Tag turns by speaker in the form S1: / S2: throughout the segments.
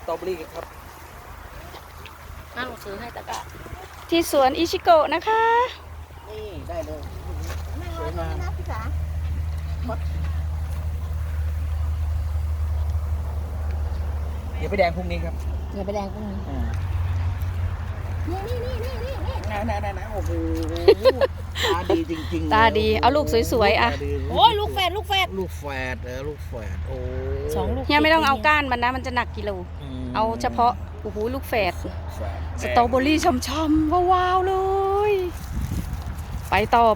S1: ตรอเบอรี่กันครับ
S2: นั่งซื้อให้ตะกะ
S3: ที่สวนอิชิโกะนะคะ
S1: นี่ได้เลยส
S2: ส
S1: ว
S2: วย ย
S1: งาม
S2: นะพี่จ๋า
S1: เดี๋ยวไปแดงพรุ่งนี้ครับ
S2: อย่าไปแดงตรงนี้นี่
S1: โอ้โหตาดีจริงๆ
S3: ตาดีเอาลูกสวยๆอ่ะ
S1: ตาดี
S2: โอ้ยลูกแฝด
S1: ลูกแฝดลูกแฝดโอ้
S2: สองลูก
S3: เฮียไม่ต้องเอาก้านมันนะมันจะหนักกิโล
S1: ม
S3: เอาเฉพาะโอ้โหลูกแฝด
S1: แฝด
S3: สตรอเบอรี่ช่ำๆว้าวๆเลย ไปต่อ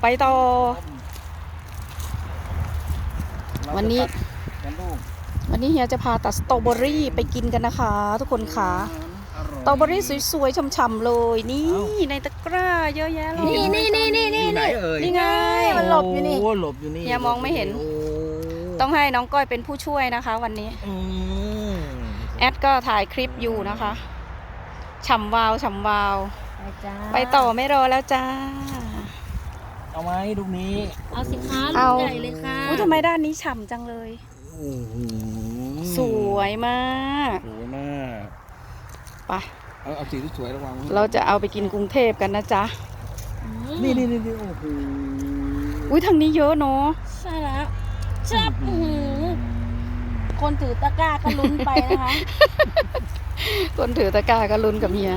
S3: วันนี้
S1: กันลูก
S3: วันนี้เฮียจะพาตัดสตรอเบอรี่ไปกินกันนะคะ ทุกคนค่ะ
S1: อร่อย
S3: สตรอเบอรี่สวยๆช่ำๆเลยนี่ในตะกร้าเยอะแยะเลย
S2: นี่
S1: อยู่ไหนเอ่ย
S3: นี่ไง
S2: มันหลบอยู่นี่
S1: โอ้หลบอยู่นี่
S3: เฮียมองไม่เห็น
S1: โอ้
S3: ต้องให้น้องก้อยเป็นผู้ช่วยนะคะ วันนี้
S1: อืม
S3: แอดก็ถ่ายคลิปอยู่นะคะฉ่ำวาว
S2: ไปจ้า
S3: ไปต่อไม่รอแล้วจ้า
S1: เอาไหมลูกนี้
S2: เอาสิคะ
S3: เอา
S2: ลูกใหญ่เลยค่ะ
S3: อุ้ยทำไมด้านนี้ฉ่ำจังเลย
S1: โอ้โห
S3: สวยมาก
S1: สวยมาก
S3: ไป
S1: เอาสีที่สวยระวัง
S3: เราจะเอาไปกินกรุงเทพกันนะจ๊ะ
S1: นี่โอ้โห
S3: อุ้ยทางนี้เยอะเนาะ
S2: ใช่แล้วจับคนถือตะกร้าก็ลุ้นไปนะคะ
S3: คนถือตะกร้าก็ลุ้นกับเฮีย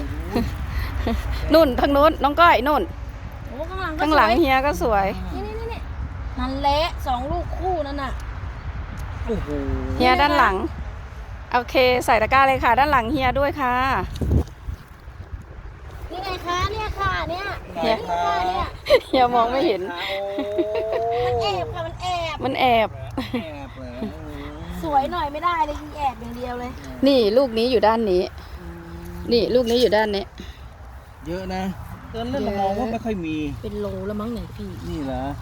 S3: นุ่นทางโน้นน้องก้อยนุ่น
S2: โอ้ข้างหลังก็
S3: ข้างหลัง
S2: สวย
S3: เฮียก็สวย
S2: นี่นั่นแหละสองลูกคู่นั่นน่ะ
S1: โอ้โห
S3: เฮียด้านหลังโอเคใส่ตะกร้าเลยค่ะ ด้านหลังเฮียด้วยค่ะ
S2: นี่ไงคะเนี่ยค่ะเนี่ย
S3: เฮีย
S2: ค่ะเนี่ย
S3: เฮียมองไม่เห็น
S2: มันแอบค่ะมันแอบ
S3: มันแอบ
S1: แอบเหรอ
S2: สวยหน่อยไม่ได้เลยยิงแอบอย่างเดียวเลย
S3: นี่ลูกนี้อยู่ด้านนี้ นี่ลูกนี้อยู่ด้านนี้
S1: เยอะนะตอนเล่นเรามองว่าไม่ค่อยมี
S2: เป็นโลแล้วมั้งเนี่ยพี่
S1: นี่เหรอ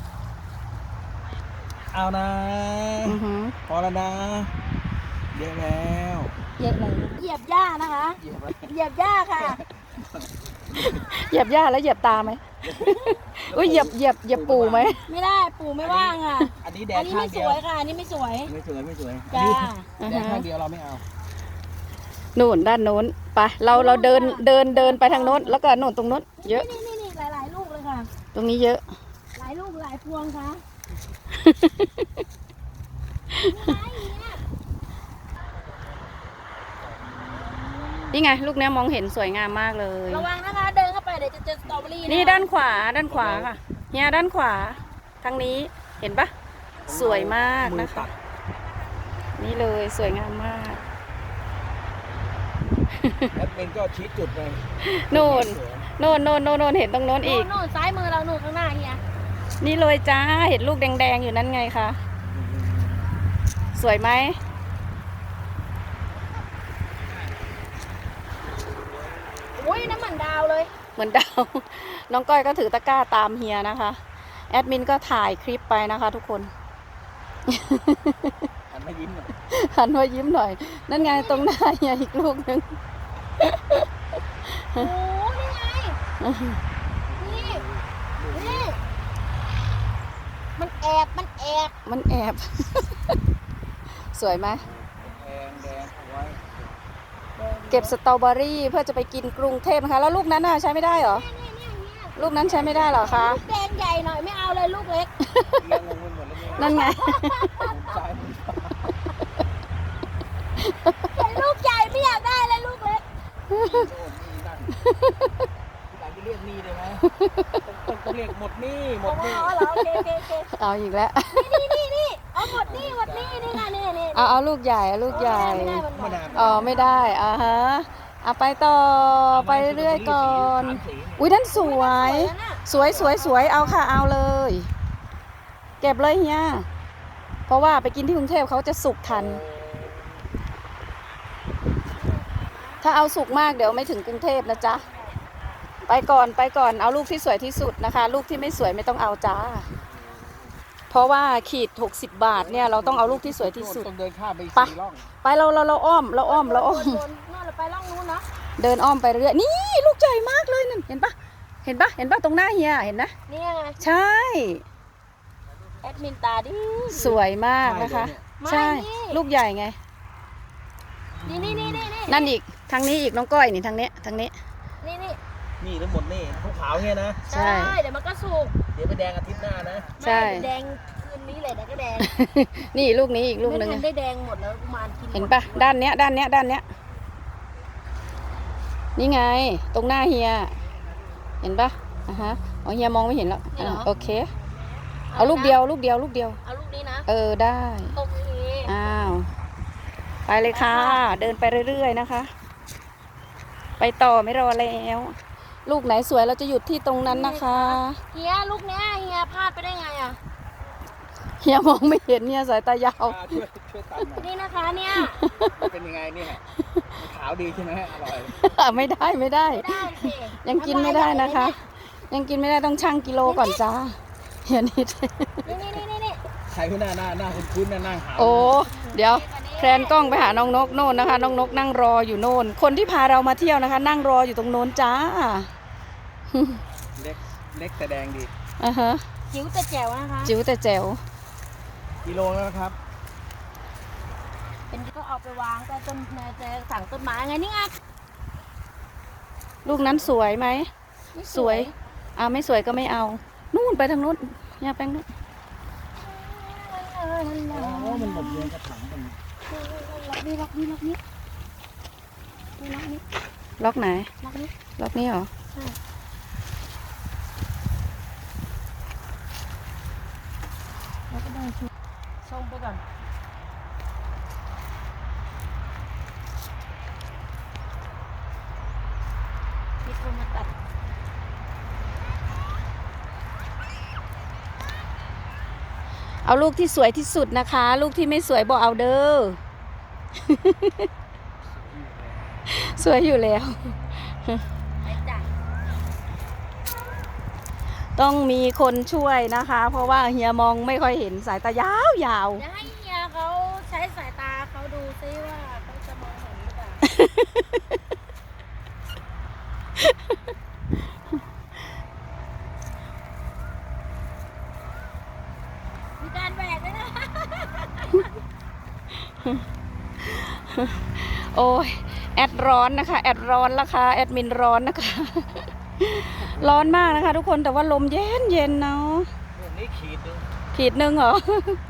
S1: เอานะ
S3: อือหือ
S1: พอแล้วนะเยอะแล้ว
S2: เหยียบอะไรเหยียบหญ้านะคะ
S1: เหยียบไว้
S2: เหยียบหญ้าค่ะ
S3: เหยียบหญ้าแล้วเหยียบตาไหม อุ้ยเหยียบปูไหม
S2: ไม่ได้ปู่ไม่ว่างอ่ะ
S1: อันนี้แด
S2: อั
S1: ง
S2: นนี้
S1: ข้าง
S2: ไม่ส
S1: เดียว
S2: วยค่ะอันนี้ไม่สวย
S1: ไม่สวยอัน
S2: จ้า
S1: นี้แดงข้างเดียวเราไม่เอา
S3: นู่นด้านโน้นไปเราเดินไปทางโน้นแล้วก็นู่นตรงโน้นเยอะ
S2: นี่หลายๆลูกเลยค่ะ
S3: ตรงนี้เยอะ
S2: หลายลูกหลายพวงค่ะ
S3: นี่ไงลูกเนี้ยมองเห็นสวยงามมากเลย
S2: ระวังนะคะเดินเข้าไปเดี๋ยวจะเจอสตรอเบอรี่
S3: นี่ด้านขวาค่ะเนี่ยด้านขวาทางนี้เห็นปะสวยมาก
S1: มือ
S3: นะ
S1: ตั
S3: คะ
S1: ด
S3: นี่เลยสวยงามมาก
S1: แล้วเป็นก็ชี้จุดไป
S3: โน่นเห็นตรงโน้นอีก
S2: นู่นซ้ายมือเรานู่นข้างหน้าเฮีย
S3: นี่เลยจ้าเห็นลูกแดงๆอยู่นั่นไงคะสวยไหม
S2: อุ้ยน้ำเหมือนดาวเลย
S3: เหมือนดาว น้องก้อยก็ถือตะกร้าตามเฮียนะคะแอดมินก็ถ่ายคลิปไปนะคะ ทุกคน
S1: หันมายิ้มหน่อย
S3: หันมายิ้มหน่อย นั่นไงตรงหน้าเฮียอีกลูกหนึ่ง
S2: โอ้นี่ไงนี่มันแอบ
S3: มันแอบ สวยไหม
S1: แดงเอาไว้
S3: เก็บสตรอเบอรี่เพื่อจะไปกินกรุงเทพนะคะแล้วลูกนั้นน่ะใช้ไม่ได้เหรอ ลูกนั้นใช้ไม่ได้เหรอคะ
S2: ลูกแดงใหญ่หน่อยไม่เอาเลยลูกเล็ก
S1: เลี้ยงลงไปหมดแล้วเนี่ย
S3: นั่นไง
S1: ผมซ้ายผมขวา
S2: เห็นลูกใหญ่ไม่อยากได้เลยลูกเล็ก
S1: โอ้นี่นั่นอยากจะเรียกหนี่เลยไหมต้องเรียกหมดหนี่หมดหนี่
S2: อ๋อเหรอโอเค
S3: เอาอีกแล้ว
S2: นี่เอาหมดนี่นี่ค่ะนี่
S3: เอาลูกใหญ่เอาลูกใหญ่
S2: ไม่ได้มันหมด
S3: อ๋อไม่ได้ฮะเอาไปต่อไปเรื่อยๆก่อน อุ้ยนั่นสวย สวยเอาค่ะเอาเลย เก็บเลยเฮียเพราะว่าไปกินที่กรุงเทพเขาจะสุกทัน ถ้าเอาสุกมากเดี๋ยวไม่ถึงกรุงเทพนะจ๊ะไปก่อนเอาลูกที่สวยที่สุดนะคะ ลูกที่ไม่สวยไม่ต้องเอาจ้าเพราะว่าขีด60 บาทเนี่ยเราต้องเอาลูกที่สวยที่สุด
S1: ต้องเดินข้ามไป
S3: ไป
S1: 4 ร่อง
S3: ไปเราอ้อม
S2: นู่นเราไปล่องนู้นเนาะ
S3: เดินอ้อมไปเรื่อยนี่ลูกใหญ่มากเลยนั่นเห็นปะตรงหน้าเฮียเห็นนะ
S2: นี่ไง
S3: ใช่
S2: แอดมินตาดิ
S3: สวยมากนะคะ ใช่ลูกใหญ่ไง
S2: นี่
S3: นั่นอีกทางนี้อีกน้องก้อยนี่ทางนี้ทางนี้
S2: นี่
S1: นี่ทั้งหมดนี่ขาวๆเนี่ยนะ
S3: ใช่
S2: เดี๋ยวมันก็สุก
S1: เดี๋ยวไปแดงอาทิตย์หน้านะ
S3: ใช่
S2: ไม่แดงคืนนี้เลยเดี๋ยวก็แดง
S3: นี่ลูกนี้อีกลูกหนึง
S2: ไม่ทั
S3: อะ
S2: นได้แดงหมดแล้วกุมารกิน
S3: เห็นปะด้านเนี้ยด้านเนี้ยด้านเนี้ยนี่ไงตรงหน้าเฮียเห็นปะอ่ะฮะอ๋อเฮียมองไม่เห็นแล้วอ่ะโอเคเอาลูกเดียวลูกเดียวลูกเดียว
S2: เอาลูกนี้นะ
S3: ได้
S2: โอเค
S3: อ้าวไปเลยค่ะ เดินไปเรื่อยๆนะคะ ไปต่อไม่รอแล้ว ลูกไหนสวยเราจะหยุดที่ตรงนั้นนะคะ
S2: เฮียลูกเนี้ยเฮียพลาดไปได้ไงอ่ะ
S3: เฮียมองไม่เห็นเนี่ยสายตายาว
S1: ช่วยตัดหน่อย
S2: นี่นะคะเนี่ย
S1: เป็นยังไงเนี่ยขาวดีใช่ไหมอร่อย
S3: ไม่ได้ไม่ได้
S2: ไม่ได้สิ
S3: ยังกินไม่ได้นะคะ ยังกินไม่ได้ต้องชั่งกิโลก่อนจ้าเฮียนิด
S2: นี่
S1: ใครที่หน้าคุ้นๆหน้าขาว
S3: โอ้เดี๋ยวแพลนกล้องไปหาน้องนกโน่นนะคะ น้องนกนั่งรออยู่โน่น คนที่พาเรามาเที่ยวนะคะ นั่งรออยู่ตรงโน้นจ้า
S1: เล็กแต่แดงดี
S3: อ่าฮะ
S2: จิ๋วแต่แจ๋วนะคะ
S3: จิ๋วแต่แจ๋ว
S1: กิโลแล้วนะครับ
S2: เป็นก็เอาไปวางแต่ต้นจะสั่งต้นไม้ไงนี่ไง
S3: ลูกนั้นสวยไหม
S2: ไม่
S3: สวยไม่สวยก็ไม่เอา นู่นไปทางนู้นอย่าแป้งนู้น
S1: อ๋อ มันหมดเรียนกระถางมัน
S2: ล็อกนี่ล็อกนี่ล็อกนี่ล็อกนี่
S3: ล็อกไหน
S2: ล็อกนี่
S3: ล็อกนี้เหรอ
S2: ใช่แล้วก็ได้ชมไปก่อนมีคนมาตัด
S3: เอาลูกที่สวยที่สุดนะคะ ลูกที่ไม่สวยบอกเอาเด้อ สวยอยู่แล้ว
S2: ไปจ้ะ
S3: ต้องมีคนช่วยนะคะ เพราะว่าเฮียมองไม่ค่อยเห็นสายตายาวยาว
S2: เดี๋ยวให้เฮียเขาใช้สายตาเขาดูซิว่าเขาจะมองเห็นหรือเปล่า มีการแบกด้วยนะ
S3: โอ้ยแอดร้อนนะคะ แอดร้อนราคาแอดมินร้อนนะคะ ร้อนมากนะคะ ทุกคนแต่ว่าลมเย็นเย็นเนาะ
S1: นี่ขีดนึง
S3: ขีดหนึ่งเหรอ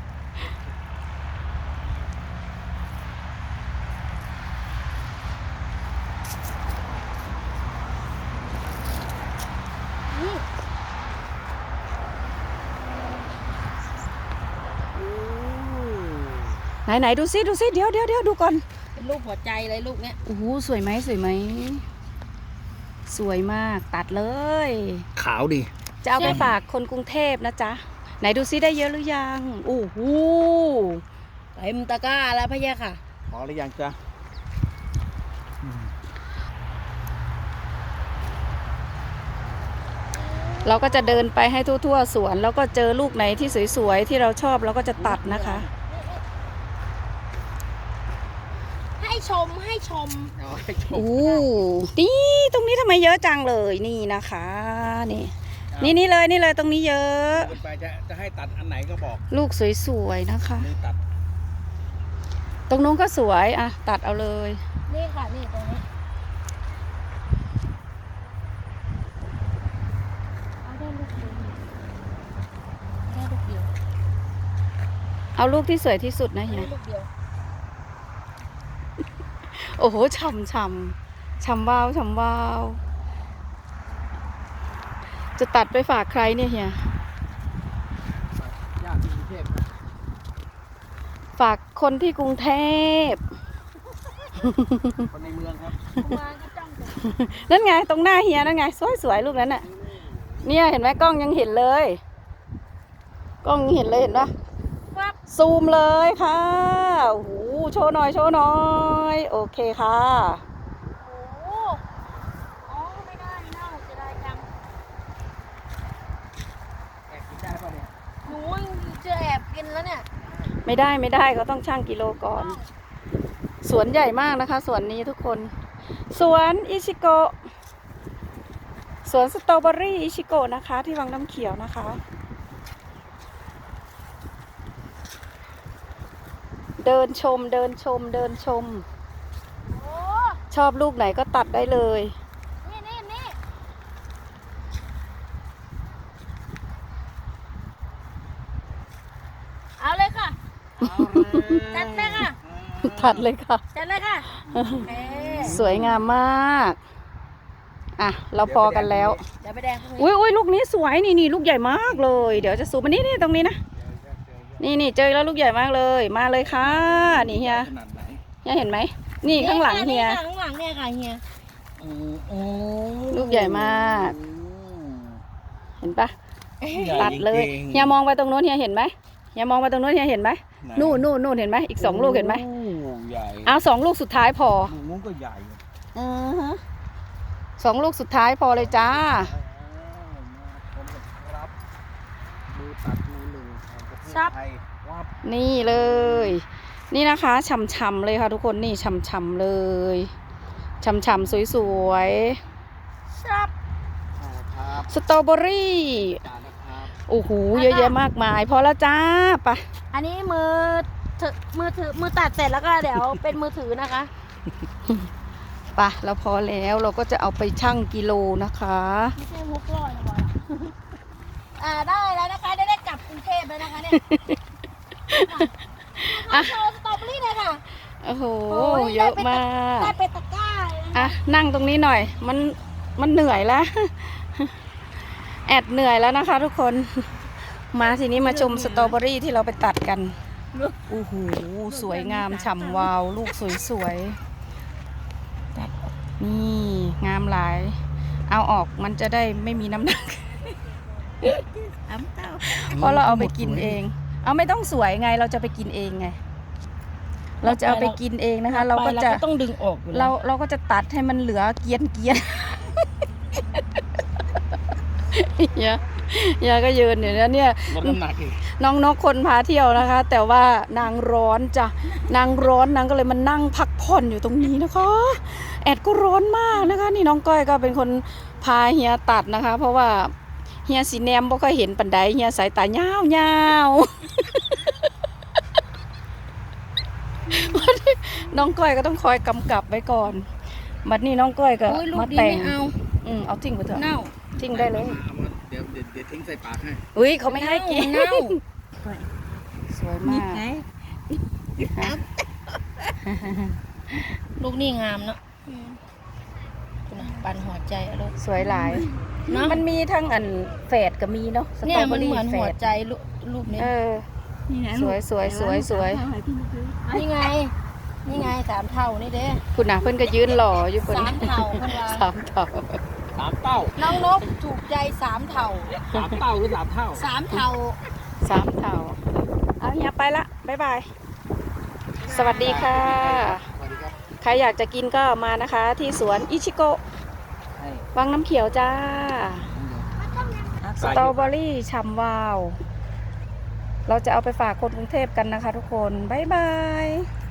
S2: นี่
S3: ไหนดูซิดูซิเดี๋ยวดูก่อน
S2: เป็นรูปหัวใจเลยลูกเนี้ย
S3: โอ้โหสวยไหมสวยไหมสวยมากตัดเลย
S1: ขาวดี
S3: จะเอาไปฝากคนกรุงเทพนะจ๊ะไหนดูซิได้เยอะหรือยังโอ้โห
S2: เต็มตะกร้าแล้วพะยะค่ะ
S1: พอหรือยังจ๊ะ
S3: เราก็จะเดินไปให้ทั่วๆสวนแล้วก็เจอลูกไหนที่สวยๆที่เราชอบเราก็จะตัดนะคะ
S2: ให้ชมให้ชม
S1: เอาให้ชม
S3: โอ้นี่ตรงนี้ทำไมเยอะจังเลยนี่นะคะนี่เลยตรงนี้เยอะ
S1: เกินไปจะให้ตัดอันไหนก็บอก
S3: ลูกสวยๆนะคะ
S1: นี่ตัด
S3: ตรงนู้นก็สวยอ่ะตัดเอาเลย
S2: นี่ค่ะนี่ตรงนี้เอาได้ลูกเดียวได้ลูกเดียว
S3: เอาลูกที่สวยที่สุดนะเฮี
S2: ได้
S3: ย
S2: ลูกเดียว
S3: โอ้โหฉ่ำวาวจะตัดไปฝากใครเนี่ยเฮีย
S1: ญาติที่กรุงเทพนะ
S3: ฝากคนที่กรุงเทพ
S1: คนในเมืองครับ
S2: กุมารก็จ้องแต่
S3: นั่นไงตรงหน้าเฮียนั่นไงสวยๆลูกนั้นน่ะเนี่ยเห็นไหมกล้องยังเห็นเลยกล้องยังเห็นเลยเห็นปะ
S2: วับ
S3: ซูมเลยค่ะโอ้โหโชว์หน่อยโอเคค่ะ
S2: โอ้อ๋อไม่ได้เน่าจะได้จัง
S1: แอบกินได้ป่ะเนี่ย
S2: หนูจะแอบกินแล้วเนี่ย
S3: ไม่ได้ก็ต้องชั่งกิโลก่อน สวนใหญ่มากนะคะสวนนี้ทุกคน สวนอิชิโกะสวนสตรอเบอรี่อิชิโกะนะคะ ที่วังน้ำเขียวนะคะ เดินชม
S2: โอ้
S3: ชอบลูกไหนก็ตัดได้เลย
S2: นี่เอาเลยค่ะ จัดเลยค่ะ
S3: ตัดเลยค่ะ
S2: จัดเลยค่ะเอ๊ะ
S3: สวยงามมากอ่ะเราพอกันแล้ว
S2: เดี๋ยวไปแดงพรุ่งนี้
S3: อุ้ยลูกนี้สวยนี่ลูกใหญ่มากเลย เดี๋ยวจะซูมมานี่ตรงนี้นะนี่เจอแล้วลูกใหญ่มากเลยมาเลยค่ะนี่เฮีย
S1: ขนาดไหน
S3: เฮียเห็นไหมนี่ข้างหลังเฮีย
S2: ข้างหลังเนี่ยค่ะเฮีย
S1: โอ้
S3: ลูกใหญ่มาก เห็นปะ
S1: ใหญ่
S3: ตัดเลย
S1: จริงๆ
S3: เฮียมองไปตรงโน้นเฮียเห็นไหมเฮียมองไปตรงโน้นเฮียเห็นไหม
S1: ไห
S3: นู่นเห็นไหมอีก2 ลูกเห็นไหม
S1: โอ้ใหญ่
S3: เอา2 ลูกสุดท้ายพอ
S1: ลูกนู้นก็ใหญ่
S3: 2 ลูกสุดท้ายพอเลยจ้า
S1: ครับมือตัดมือหนึ่งแห่งประเทศไทยวับ
S3: นี่เลย นี่นะคะฉ่ำๆเลยค่ะทุกคนนี่ฉ่ำๆเลยฉ่ำๆสวย
S2: ชับ
S1: ครับ
S3: ๆสตรอเบอรี่
S1: ตานะครับ
S3: โอ้โหเยอะแยะมากมาย พอแล้วจ้าไป
S2: อันนี้มือตัดเสร็จแล้วก็เดี๋ยวเป็นมือถือนะคะ
S3: ไปเราพอแล้วเราก็จะเอาไปชั่งกิโลนะคะ
S2: ไม่ใช่มุกลอยนะบอยได้แล้วนะคะได้กลับกรุงเทพแล้วนะคะเนี่ยโชว์สตรอเบอรี่เลยค่ะ
S3: โอ้โห
S2: โอ้ย
S3: เยอะมาก
S2: ได้เป็นตะกร้าเลยนะ
S3: อ่ะนั่งตรงนี้หน่อยมันเหนื่อยแล้ว แอดเหนื่อยแล้วนะคะทุกคนมาทีนี้มาชมสตรอเบอรี่ที่เราไปตัดกันโอ้โหสวยงามฉ่ำวาวลูกสวยๆนี่งามหลาย เอาออกมันจะได้ไม่มีน้ำหนัก เพราะเราเอาไปกินเอง เอาไม่ต้องสวยไงเราจะไปกินเองไง เราจะเอาไปกินเองนะคะ เราก็จะ
S2: ต้องดึงออกอยู่
S3: เราก็จะตัดให้มันเหลือเกรียนเฮียก็ยืนอยู่นะเนี่ย
S1: ลดน้ำหนักอีก
S3: น้องนกคนพาเที่ยวนะคะ แต่ว่านางร้อนจ้ะนางร้อนนางก็เลยมานั่งพักผ่อนอยู่ตรงนี้นะคะ แอดก็ร้อนมากนะคะ นี่น้องก้อยก็เป็นคนพาเฮียตัดนะคะ เพราะว่าเฮียสีแนมบ่ค่อยเห็นปันไดเฮียสายตายาวน้องก้อยก็ต้องคอยกำกับไว้ก่อนบัดนี้น้องก้อยก็
S2: ลู
S3: มาก
S2: ดี
S3: แต่ง
S2: ไม่เอา
S3: เอาทิ้งไปเถอะ
S2: เน่า
S3: ทิ้งได้เลย
S1: เดี๋ยวทิ้งใส่ปากให้
S3: อุ้ยเขาไม่ให้กิน
S2: เน่า
S3: สวยมาก
S2: ลูกนี่งามเนาะปันหัวใจอะลูก
S3: สวยหลาย
S2: เนาะ
S3: มันมีทั้งอันแฝดก็มีเนาะส
S2: เนี่
S3: ตร
S2: ย
S3: อเบ
S2: มั
S3: อน รี่
S2: เหมือน
S3: แฝ
S2: หัว
S3: ด
S2: ใจรูปนี้
S3: สวย
S2: นี่ไง3 เท่านี่เด้
S3: คุณน่ะเพิ่นก็ยืนหล่ออยู่เพิ่น
S2: 3 เท่าเพิ่นว่า
S3: 3 เท่า
S1: สามเต้า
S2: น้องนกถูกใจ3 เท่า
S1: สามเต้าหรือสามเท่า
S2: 3 เท่า
S3: 3 เท่าเอาเฮียไปละบ๊ายบายสวัสดีค่ะ
S1: สวัสดีครับ
S3: ใครอยากจะกินก็มานะคะ ที่สวนอิชิโกะ
S1: ให้
S3: วังน้ำเขียวจ้า สตรอเบอรี่ฉ่ำวาว เราจะเอาไปฝากคนกรุงเทพกันนะคะทุกคน บ๊ายบาย